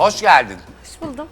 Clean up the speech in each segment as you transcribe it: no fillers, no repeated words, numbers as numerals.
Hoş geldin. Hoş buldum.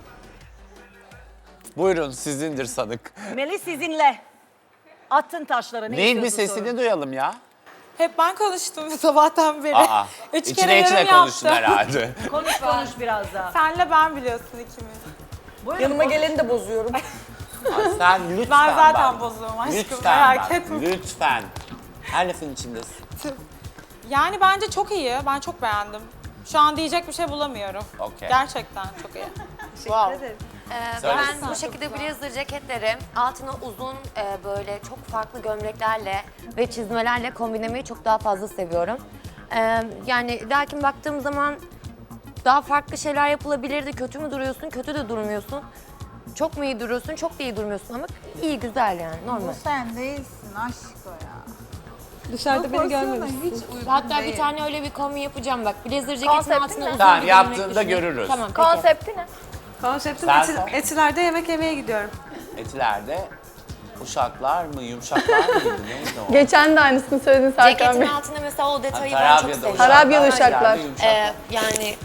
Buyurun sizindir sanık. Melis sizinle. Attın taşları. Ne Neyin bir istiyorsun sesini sorun? duyalım ya. Hep ben konuştum sabahtan beri. Aa, Üç içine kere içine yorum konuştun yaptım. herhalde. Konuş biraz daha. Senle ben biliyorsun ikimiz. Buyurun, Yanıma geleni de bozuyorum. Ay, sen lütfen Ben zaten bak. bozuğum aşkım, Lütfen merak bak, etme. lütfen. Her lafın içindesin. Yani bence çok iyi. Ben çok beğendim. Şu an diyecek bir şey bulamıyorum. Okey. Gerçekten çok iyi. Wow. Söyle. Ben bu şekilde blazer ceketleri altına uzun böyle çok farklı gömleklerle ve çizmelerle kombinlemeyi çok daha fazla seviyorum. Yani lakin baktığım zaman daha farklı şeyler yapılabilirdi. Kötü mü duruyorsun, kötü de durmuyorsun. Çok mu iyi duruyorsun, çok da iyi durmuyorsun ama iyi, güzel yani normal. Sen değilsin aşk o ya. Dışarıda beni görmemişsin. Hiç uygun Hatta değil. bir tane öyle bir kombin yapacağım bak. Blazer ceketin Konsepti altına ne? uzun Tamam, bir yaptığında gömlek düşünün. görürüz. Tamam peki. Konsepti ne? Konseptim Sen- Etiler'de yemek yemeye gidiyorum. Etilerde uşaklar mı, yumuşaklar mıydı, neydi o? Geçen de aynısını söyledin Serkan Ceketin Bey. altında mesela o detayı ben çok Tarabya'da seviyorum. Tarabyalı uşaklar. Etilerde yumuşaklar. Yani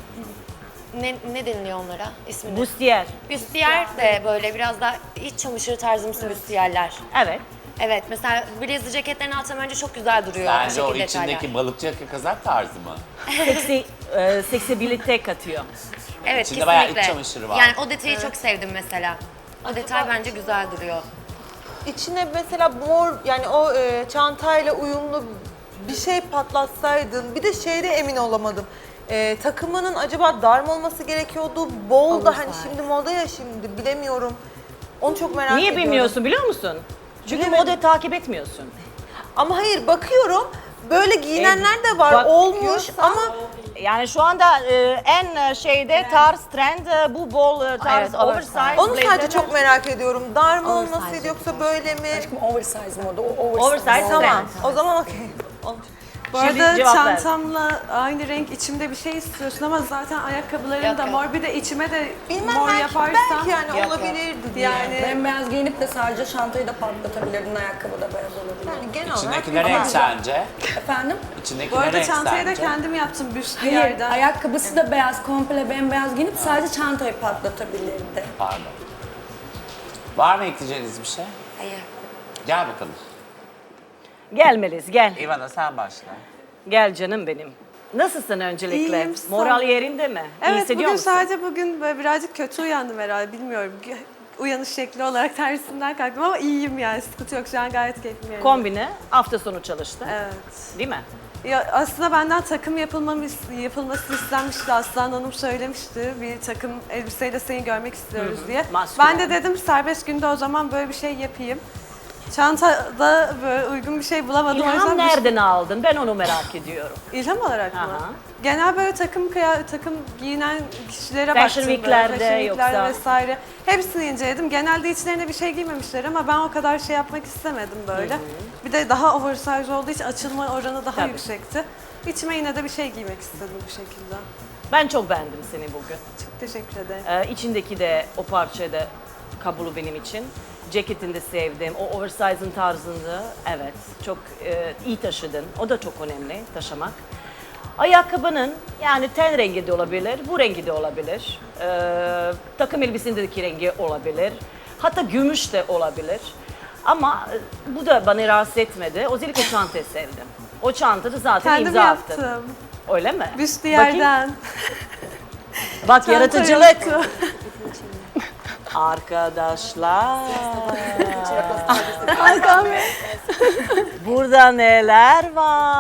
ne deniliyor onlara ismini? Bustier. Büstiyer de böyle biraz daha iç çamaşırı tarzımsı büstiyerler. Evet. Evet mesela blazer ceketlerin altına bence çok güzel duruyor. Bence o şekilde içindeki detaylar. balıkçı yaka kazak tarzı mı? Seksibilite katıyor. Evet İçinde bayağı iç kesinlikle. çamaşırı var. Yani o detayı çok sevdim mesela. O detay bence güzel duruyor. İçine mesela mor yani o çantayla uyumlu bir şey patlatsaydın. Bir de şeyde emin olamadım. Takımının acaba dar mı olması gerekiyordu? Bol da hani şimdi moda ya şimdi bilemiyorum. Onu çok merak Niye ediyorum. bilmiyorsun biliyor musun? Çünkü Bilemedim. moda takip etmiyorsun. Ama hayır bakıyorum böyle giyinenler de var olmuş ama Yani şu anda en şeyde tarz trend bu bol tarz Evet, oversize. onu sadece blazerler. çok merak ediyorum. Dar mı Oversize olmasıydı yoksa böyle mi? Oversize moda. O Oversize Tamam. trend. O zaman okey. Bu Şimdi arada cevap ver. çantamla aynı renk içimde bir şey istiyorsun ama zaten ayakkabılarım Yok, da yok. mor. Bir de içime de Bilmem mor belki, yaparsam. belki yani olabilirdi diye. Yani Bembeyaz giyinip de sadece çantayı da patlatabilirdin, ayakkabı da beyaz olabilir. Yani genel İçindeki olarak ne renk sence? Efendim? İçindeki bu ne arada renk çantayı da sence? kendim yaptım büst bir Hayır, yerden. ayakkabısı da beyaz, komple bembeyaz giyinip sadece çantayı patlatabilirdi. Pardon. Var mı ekleyeceğiniz bir şey? Hayır. Gel bakalım. Gel Melis gel. İvana sen başla. Gel canım benim. Nasılsın öncelikle? İyiyim, sağ ol. Moral yerinde mi? İyi Evet hissediyor bugün musun? sadece bugün böyle birazcık kötü uyandım herhalde bilmiyorum. Uyanış şekli olarak tersinden kalktım ama iyiyim yani sıkıntı yok şu an gayet keyfim yerinde. Kombini hafta sonu çalıştı. Evet. Değil mi? Ya aslında benden takım yapılması istenmişti. Aslan Hanım söylemişti. Bir takım elbiseyle seni görmek istiyoruz diye. Maskülen. Ben de dedim serbest günde o zaman böyle bir şey yapayım. Çantada böyle uygun bir şey bulamadım. O İlham yüzden nereden aldın? Ben onu merak ediyorum. İlham olarak mı? Aha. Genel böyle takım giyinen kişilere Fashion baktım. Week'lerde Fashion Week'lerde yoksa? vesaire. Hepsini inceledim. Genelde içlerine bir şey giymemişler ama ben o kadar şey yapmak istemedim böyle. Bir de daha oversize olduğu için açılma oranı daha Tabii. yüksekti. İçime yine de bir şey giymek istedim bu şekilde. Ben çok beğendim seni bugün. Çok teşekkür ederim. İçindeki de o parça da kabulü benim için. Ceketini de sevdim. O oversize'ın tarzını evet çok iyi taşıdın. O da çok önemli taşımak. Ayakkabının yani ten rengi de olabilir, bu rengi de olabilir. Takım elbisindeki rengi olabilir. Hatta gümüş de olabilir. Ama bu da bana rahatsız etmedi. Özellikle çantayı sevdim. O çantada zaten Kendim imza attın. yaptım. Öyle mi? Büstü Bakayım. yerden. Bak Çanta yaratıcılık. yoktu. Arkadaşlar. Burada neler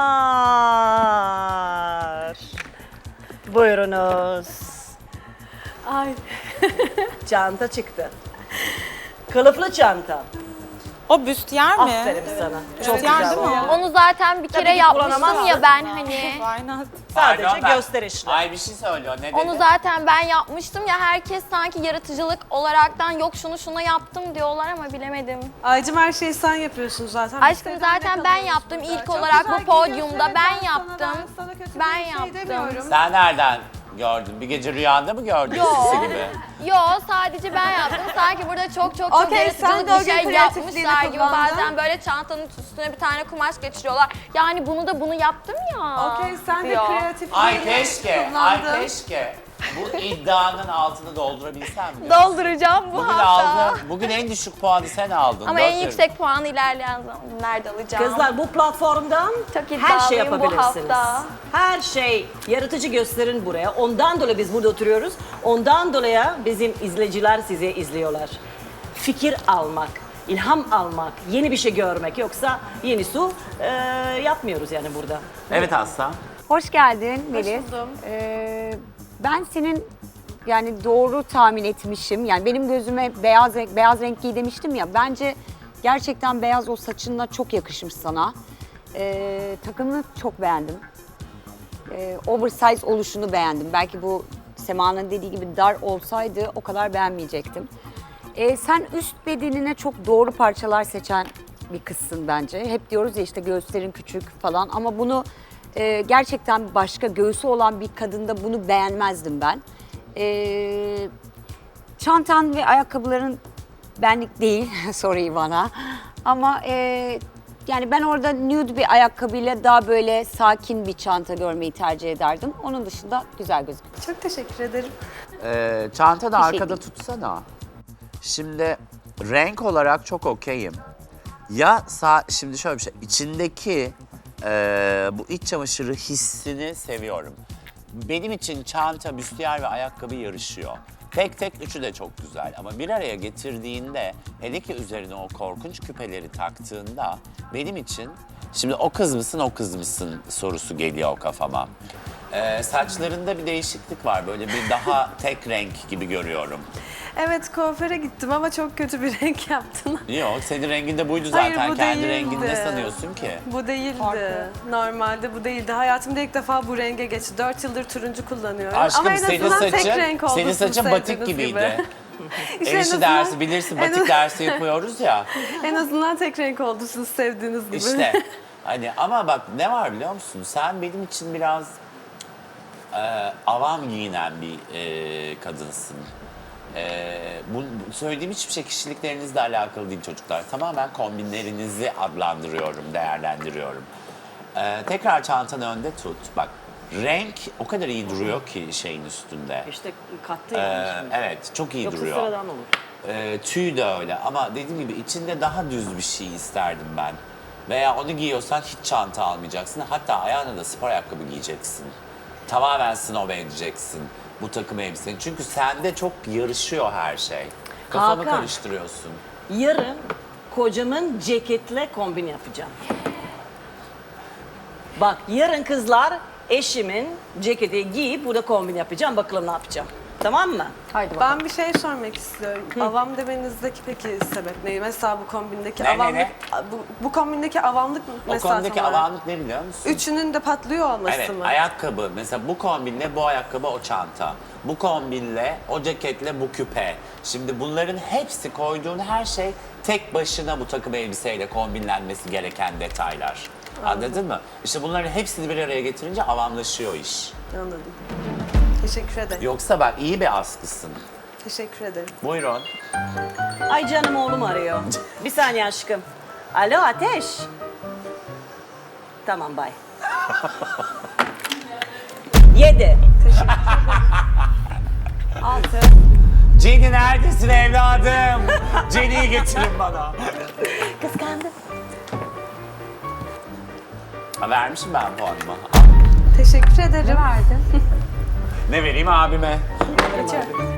var? Buyurunuz. Ay. Çanta çıktı. Kılıflı çanta. O büstiyer mi? Aferin sana. Çok Büstiyer güzel. değil mi o? Onu zaten bir Tabii kere ki yapmıştım kullanamazsın. ya ben hani. Why not? Sadece Pardon, ben- gösterişli. Ay bir şey söylüyor. Ne dedi? Onu zaten ben yapmıştım ya herkes sanki yaratıcılık olaraktan yok şunu yaptım diyorlar ama bilemedim. Aycım her şeyi sen yapıyorsun zaten. Aşkım Biz zaten senden ben kalıyoruz yaptım burada. ilk Çok olarak güzel bu podyumda giyiyorsun. ben Evet, yaptım. sana kötü bir Ben şey yaptım. demiyorum. Sen nereden gördün? Bir gece rüyanda mı gördün Yo. sisi gibi? Yo sadece ben yaptım. Sanki burada çok Okey, sen de o yaratıcılık bir gün şey kreatifliğini yapmışlar gibi. kullandın. Bazen böyle çantanın üstüne bir tane kumaş geçiriyorlar. Yani bunu yaptım ya. Okey sen de diyor. kreatif Ay keşke, ay kullandın. keşke. Bu iddianın altını doldurabilsem mi? Dolduracağım bu Bugün hafta. aldın. Bugün en düşük puanı sen aldın. Ama en Dört yüksek puanı ilerleyen zamanlarda alacağım. Kızlar bu platformdan Çok her şey iddialıyım bu yapabilirsiniz. hafta. Her şey yaratıcı gösterin buraya. Ondan dolayı biz burada oturuyoruz. Ondan dolayı bizim izleyiciler sizi izliyorlar. Fikir almak, ilham almak, yeni bir şey görmek. Yoksa yeni su yapmıyoruz yani burada. Evet Aslan. Hoş geldin Melis. buldum. Ben senin yani doğru tahmin etmişim. Yani benim gözüme beyaz renk giy demiştim ya. Bence gerçekten beyaz o saçınla çok yakışmış sana. Takımını çok beğendim. Oversize oluşunu beğendim. Belki bu Sema'nın dediği gibi dar olsaydı o kadar beğenmeyecektim. Sen üst bedenine çok doğru parçalar seçen bir kızsın bence. Hep diyoruz ya işte göğüslerin küçük falan ama bunu gerçekten başka göğsü olan bir kadında bunu beğenmezdim ben. Çantan ve ayakkabıların benlik değil, sorry bana. Ama yani ben orada nude bir ayakkabıyla daha böyle sakin bir çanta görmeyi tercih ederdim. Onun dışında güzel gözüküyor. Çok teşekkür ederim. Çanta da Bir şey arkada değil. tutsana. Şimdi renk olarak çok okeyim. Şimdi şöyle bir şey. İçindeki bu iç çamaşırı hissini seviyorum. Benim için çanta, büstiyer ve ayakkabı yarışıyor. Tek tek üçü de çok güzel ama bir araya getirdiğinde hele ki üzerine o korkunç küpeleri taktığında benim için şimdi o kız mısın o kız mısın sorusu geliyor kafama. Saçlarında bir değişiklik var böyle bir daha tek renk gibi görüyorum. Evet kuaföre gittim ama çok kötü bir renk yaptın. Yok senin rengin de buydu zaten. Hayır, bu Kendi değildi. rengini ne sanıyorsun ki? Bu değildi. Normalde bu değildi. Hayatımda ilk defa bu renge geçti. 4 yıldır turuncu kullanıyorum. Aşkım ama en senin azından tek saçın, renk oldu senin sizin saçın batik sevdiğiniz gibiydi. gibi. İşte en El işi azından- dersi bilirsin batik dersi yapıyoruz ya. En azından tek renk oldu siz sevdiğiniz gibi. İşte hani ama bak ne var biliyor musun? Sen benim için biraz avam giyinen bir kadınsın. Bu söylediğim hiçbir şey kişiliklerinizle alakalı değil çocuklar. Tamamen kombinlerinizi adlandırıyorum, değerlendiriyorum. Tekrar çantanı önde tut. Bak renk o kadar iyi duruyor ki şeyin üstünde. İşte kattı yani. Evet çok iyi Yoksa duruyor. sıradan olur. Tüy de öyle ama dediğim gibi içinde daha düz bir şey isterdim ben. Veya onu giyiyorsan hiç çanta almayacaksın. Hatta ayağına da spor ayakkabı giyeceksin. Tamamen snob edeceksin bu takım elbisenin. Çünkü sende çok yarışıyor her şey. Kafamı Hakan. karıştırıyorsun. Yarın kocamın ceketle kombin yapacağım. Bak yarın kızlar eşimin ceketi giyip burada kombin yapacağım. Bakalım ne yapacağım. Tamam mı? Haydi bakalım. Ben bir şey sormak istiyorum. Avam demenizdeki peki sebep ne? Mesela bu kombindeki Ne, avamlık, ne? Bu kombindeki avamlık O mesela konudaki tam olarak? avamlık ne biliyor musun? Üçünün de patlıyor olması Evet, mı? ayakkabı. Mesela bu kombinle bu ayakkabı o çanta. Bu kombinle o ceketle bu küpe. Şimdi bunların hepsi koyduğun her şey tek başına bu takım elbiseyle kombinlenmesi gereken detaylar. Anladın mı? İşte bunların hepsini bir araya getirince avamlaşıyor iş. Anladım. Teşekkür ederim. Yoksa bak iyi bir askısın. Teşekkür ederim. Buyurun. Ay canım oğlum arıyor. Bir saniye aşkım. Alo Ateş. Tamam bay. 7. 6. Jenny neredesin evladım? Jenny'yi getirin bana. Kıskandım. Ha, vermişim ben puanımı. Teşekkür ederim. Verdin. Ne vereyim abime? Geçiyorum.